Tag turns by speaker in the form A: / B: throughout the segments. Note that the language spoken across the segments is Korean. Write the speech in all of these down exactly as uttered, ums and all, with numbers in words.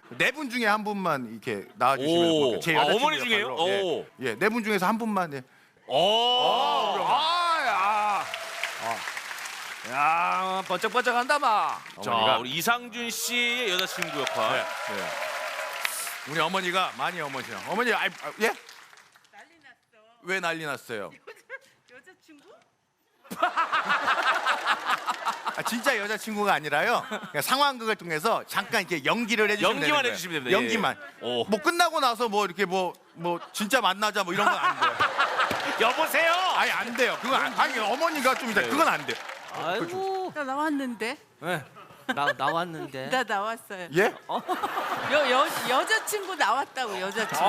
A: 네 분 중에 한 분만 이렇게 나와주시면
B: 오.
A: 고맙겠습니다. 제
B: 아,
A: 여자친구
B: 어머니 중에요?
A: 역할로.
B: 오.
A: 예, 예, 네 분 중에서 한 분만. 예.
C: 오. 아, 야. 야, 번쩍번쩍한다 마.
B: 자,
A: 어머니가
B: 우리 이상준 씨의 여자친구 역할.
A: 네, 네. 우리 어머니가 많이 어머니요. 어머니 아, 아, 예?
D: 난리 났어.
A: 왜 난리 났어요?
D: 여자친구?
A: 아, 진짜 여자친구가 아니라요. 그냥 상황극을 통해서 잠깐 이렇게 연기를 해주시면
B: 연기만
A: 되는 거예요.
B: 해주시면 됩니다.
A: 연기만.
B: 예. 오.
A: 뭐 끝나고 나서 뭐 이렇게 뭐 뭐 진짜 만나자 뭐 이런 건 안 돼요.
B: 여보세요.
A: 아니 안 돼요. 그건 안, 아니 어머니가 좀 이따 그건 안 돼요.
C: 아이고.
D: 나 나왔는데.
C: 네. 나 나왔는데.
D: 나 나왔어요.
A: 예?
D: 여, 여, 여자친구 나왔다고 여자친구.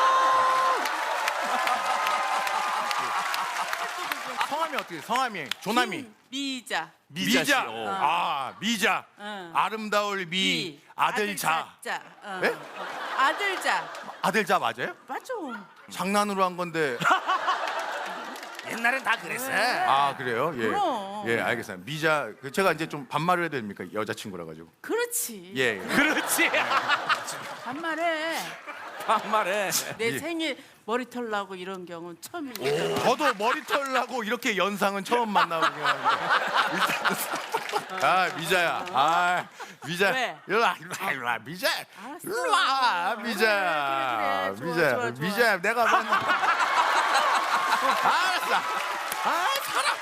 A: 성함이 어떻게? 돼요? 성함이 조남이.
D: 미자.
B: 미자 씨.
A: 미자.
B: 어.
A: 아 미자.
D: 응.
A: 아름다울 미. 아들 자.
D: 자. 어.
A: 예?
D: 어. 아들 자.
A: 아들 자 맞아요?
D: 맞아.
A: 장난으로 한 건데.
C: 옛날엔 다 그랬어.
A: 아 그래요? 예.
D: 그럼.
A: 예 알겠습니다. 미자. 그 제가 이제 좀 반말을 해야 됩니까? 여자친구라 가지고.
D: 그렇지.
A: 예. 예.
B: 그렇지.
D: 반말해.
C: 반말해.
D: 내
A: 예.
D: 생일 머리털 나고 이런 경우는 처음이니까.
A: 저도 머리털 나고 이렇게 연상은 처음 만나보긴 하는데. 아 미자야. 아 미자.
D: 왜?
A: 일로 와 일로 와 일로 와 미자.
D: 알았어.
A: 일로 와
D: 그래,
A: 미자.
D: 그래, 그래. 좋아,
A: 미자.
D: 좋아, 좋아.
A: 미자 내가 맨날. 알았어. 아 사람.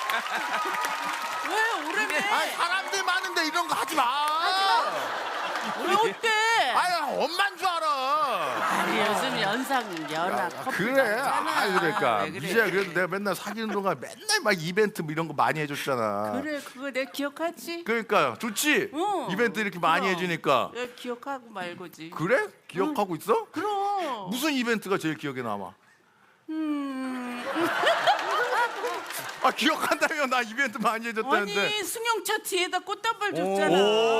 D: 왜 오래매?
A: 아 사람들 많은데 이런 거 하지 마.
D: 왜 어때?
A: 아유 엄만 줄 알아.
D: 아니 요즘 연상 연하 커플
A: 그래.
D: 많잖아.
A: 아 그러니까
D: 왜 그래?
A: 미자야 그래도 내가 맨날 사귀는 동안 맨날 막 이벤트 뭐 이런 거 많이 해줬잖아.
D: 그래 그거 내가 기억하지?
A: 그러니까 좋지.
D: 응.
A: 이벤트 이렇게 많이
D: 그럼.
A: 해주니까.
D: 내가 기억하고 말고지.
A: 그래? 기억하고 있어?
D: 그럼.
A: 무슨 이벤트가 제일 기억에 남아?
D: 음.
A: 아 기억한다며 나 이벤트 많이 해줬다는데.
D: 아니 승용차 뒤에다 꽃다발 줬잖아.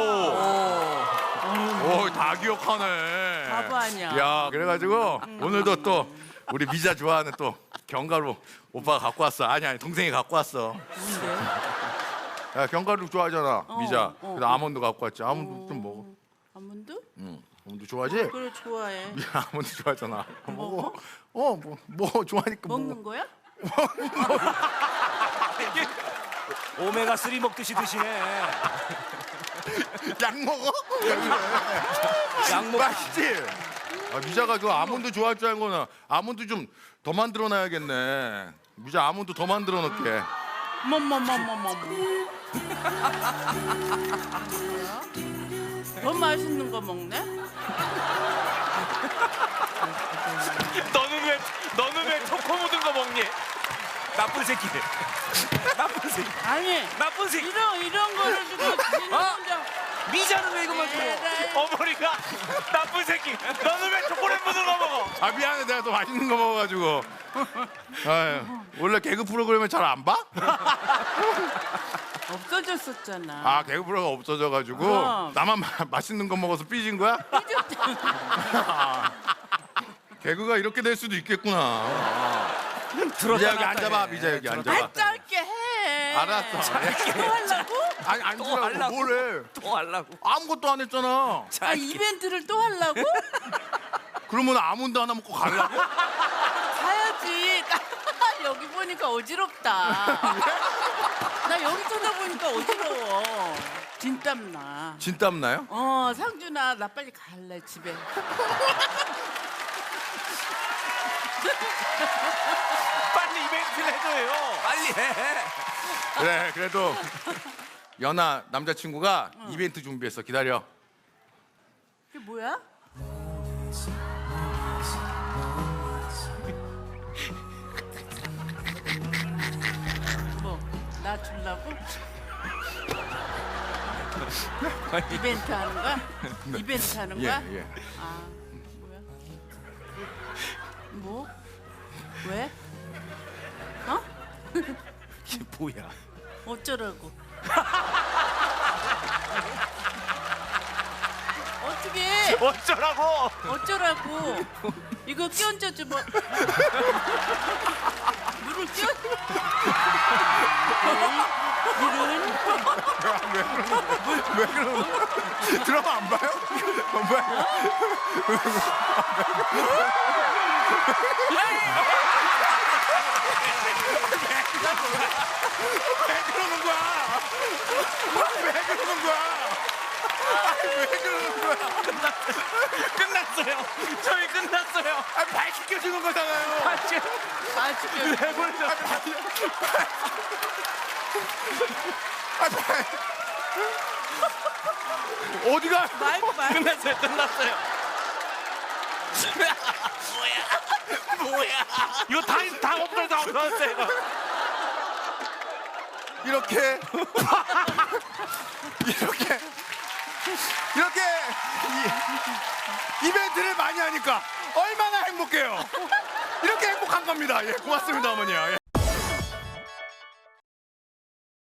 A: 오 다 기억하네.
D: 바보 아니야.
A: 야 그래가지고 오늘도 또 우리 미자 좋아하는 또 견과류 오빠가 갖고 왔어. 아니 아니 동생이 갖고 왔어.
D: 뭔데?
A: 야 견과류 좋아하잖아 미자.
D: 어,
A: 그래서 아몬드 갖고 왔지. 아몬드 좀 먹어.
D: 아몬드?
A: 응. 아몬드 좋아하지?
D: 그래 좋아해.
A: 미자 아몬드 좋아하잖아.
D: 먹어?
A: 어뭐 뭐 좋아하니까
D: 먹는
A: 먹어.
D: 거야?
C: 오메가 쓰리 먹듯이 드시네.
A: 약 먹어?
C: 약 먹.
A: 맛있지? 아, 미자가 그 아몬드 좋아할 줄 알고 나 아몬드 좀 더 만들어 놔야겠네. 미자 아몬드 더 만들어 놓게.
D: 뭐뭐뭐뭐뭐. 더 맛있는 거 먹네?
B: 너는 왜 너는 왜 초코 묻은 거 먹니?
C: 나쁜 새끼. 나쁜 새끼.
D: 아니
C: 나쁜 새끼.
D: 이런 이런 거를 주고 지는
C: 어?
D: 혼자.
C: 미자는 왜 이것만 줘?
D: 에라이.
B: 어머니가 나쁜 새끼. 너는 왜 초콜릿 묻은 거 먹어?
A: 아 미안해 내가 더 맛있는 거 먹어가지고. 아유, 원래 개그 프로그램을 잘 안 봐?
D: 없어졌었잖아.
A: 아 개그 프로가 없어져가지고
D: 그럼.
A: 나만 마, 맛있는 거 먹어서 삐진 거야? 아, 개그가 이렇게 될 수도 있겠구나. 미자 여기 앉아봐 미자 여기 앉아봐.
D: 아 짧게 해.
A: 알았어.
D: 또 하려고?
A: 아니
C: 또
A: 앉으라고
C: 하려고?
A: 뭘 해?
C: 또 하려고.
A: 아무것도 안 했잖아.
D: 아 이벤트를 또 하려고?
A: 그러면 아몬드 하나 먹고 가려고?
D: 가야지. 여기 보니까 어지럽다. 나 여기 쳐다보니까 어지러워. 진땀 나.
A: 진땀 나요?
D: 어 상준아 나 빨리 갈래 집에.
B: 빨리 이벤트를 해줘요.
C: 빨리 해.
A: 그래 그래도 연아 남자친구가 이벤트 준비했어. 기다려.
D: 그게 뭐야? 뭐 나 주려고? 이벤트 하는 거야? 이벤트 하는
A: 예
D: 거야?
A: 예.
D: 아 뭐야? 뭐? 왜? 어?
C: 이게 뭐야?
D: 어쩌라고? 어떻게?
B: 어쩌라고?
D: 어쩌라고? 이거 끼얹어줘 뭐? 물을 끼얹?
A: 왜 그러는 거야? 드라마 안 봐요? 안 봐요? 왜 그러는 거야? 왜 그러는 거야? 아니, 왜 그러는 거야?
B: 끝났어요. 저희 끝났어요.
A: 아, 발 씻겨주는 거잖아요.
B: 아, 지금
D: 아 지금
B: 해버리자.
A: 아, 발. 어디가?
D: 마이크 마이크.
B: 끝났어요. 끝났어요. 뭐야? 뭐야? 이거 다 다 없어요. 다 없어졌어요.
A: 이렇게 이렇게 이렇게 이, 이벤트를 많이 하니까 얼마나 행복해요. 이렇게 행복한 겁니다. 예, 고맙습니다, 어머니야. 예.